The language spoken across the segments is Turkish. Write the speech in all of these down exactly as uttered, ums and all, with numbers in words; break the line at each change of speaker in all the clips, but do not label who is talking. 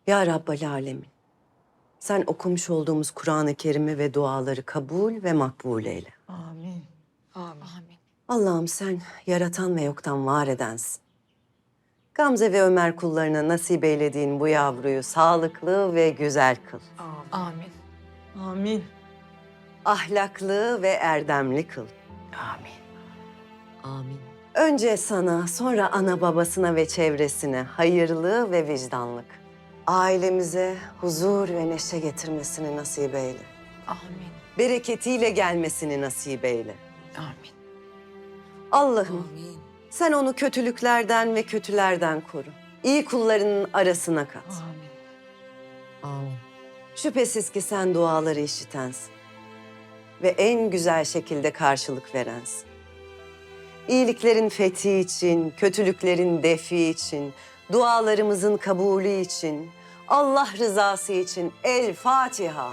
Ya Rabbal Alemin, sen okumuş olduğumuz Kur'an-ı Kerim'i ve duaları kabul ve makbul eyle.
Amin. Amin.
Amin.
Allah'ım sen yaratan ve yoktan var edensin. Gamze ve Ömer kullarına nasip eylediğin bu yavruyu sağlıklı ve güzel kıl.
Amin.
Amin.
Ahlaklı ve erdemli kıl.
Amin.
Amin. Önce sana, sonra ana babasına ve çevresine hayırlı ve vicdanlık. Ailemize huzur ve neşe getirmesini nasip eyle.
Amin.
Bereketiyle gelmesini nasip eyle.
Amin.
Allah'ım sen onu kötülüklerden ve kötülerden koru. İyi kullarının arasına kat.
Amin.
Amin. Şüphesiz ki sen duaları işitensin. Ve en güzel şekilde karşılık verensin. İyiliklerin fethi için, kötülüklerin defi için, dualarımızın kabulü için, Allah rızası için El Fatiha.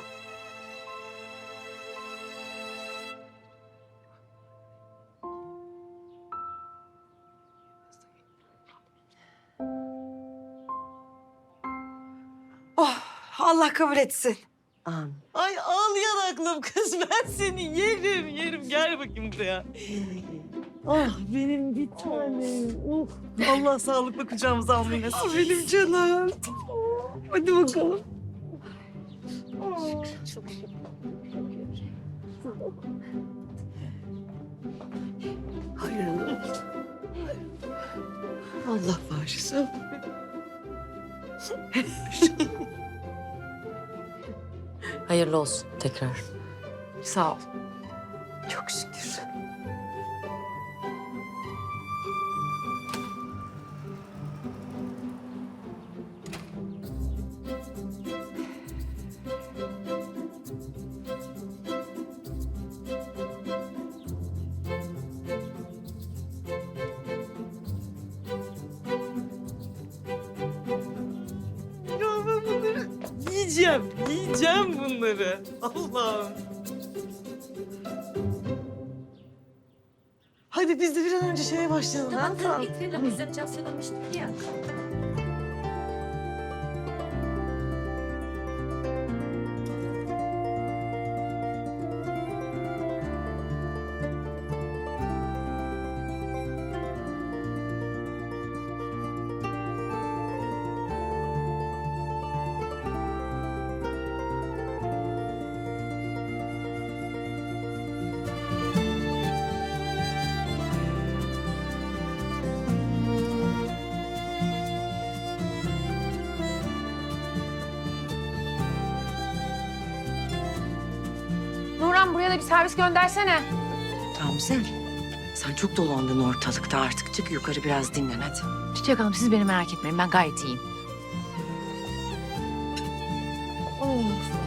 Oh, Allah kabul etsin.
Amin.
Ay ağlayan aklım kız. Ben seni yerim, yerim. Gel bakayım buraya. Ah benim bir tanem. Oh, Allah sağlıkla kucağımıza almayı nasip etsin. Benim canım. Hadi bakalım.
Çok şükür.
Hayırlı. Allah bağışlasın.
Hayırlı olsun tekrar. Sağ ol.
Çok şükür.
Ya ben bunları yiyeceğim, yiyeceğim bunları. Allah'ım. Hadi biz de bir an önce şeye başlayalım.
Tamam
ha?
tamam bitirelim. Biz de can söylemiştik ya.
Nurhan buraya da bir servis göndersene.
Gamze, sen çok dolandın ortalıkta artık. Çık yukarı biraz dinlen hadi.
Çiçek Hanım siz beni merak etmeyin ben gayet iyiyim.
Of,